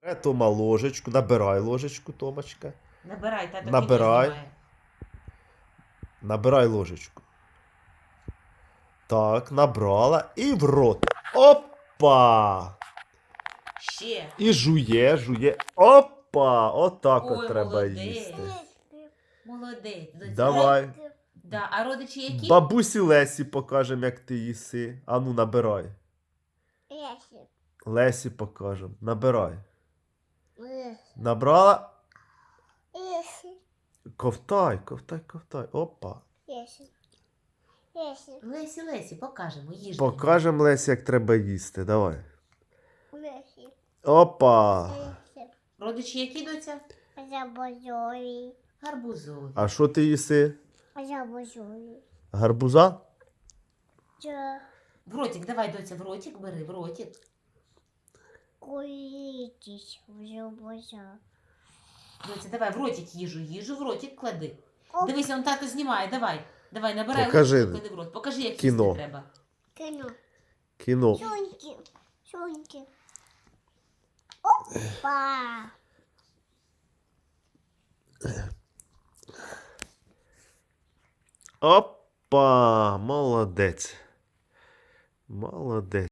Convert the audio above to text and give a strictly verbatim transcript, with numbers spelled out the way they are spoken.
Е, Тома ложечку, набирай ложечку, Томочка. Набирай, тато Набирай. кіно знімає. Набирай ложечку. Так, набрала і в рот. Опа! Ще. І жує, жує. Опа! Отак от Ой, треба молодець. їсти. Молодець. Доця. Давай. Да. А родичі які? Бабусі Лесі покажемо, як ти їси. Ану, набирай. Лесі. Лесі покажемо. Набирай. Лесі. Набрала. Лесі. Ковтай, ковтай, ковтай. Опа. Лесі. Лесі. Лесі, Лесі, покажемо, їж. Покажемо Лесі, як треба їсти. Давай. Лесі. Опа. Лесі. Родичі які, доця? Забозові. Гарбузові. А що ти їси? Забозові. Гарбуза? Це В ротик, давай, доця, в ротик бери, в ротик. кулітісь забоза. Доця, давай, в ротик їжу, їжу в ротик клади. Оп. Дивись, он тато знімає, давай. Давай, набирай Покажи. ложку, клади в рот. Покажи, як Кіно. їсти треба. Кіно. Кіно. Соньки. Соньки. Опа. Опа. Молодець. Молодець.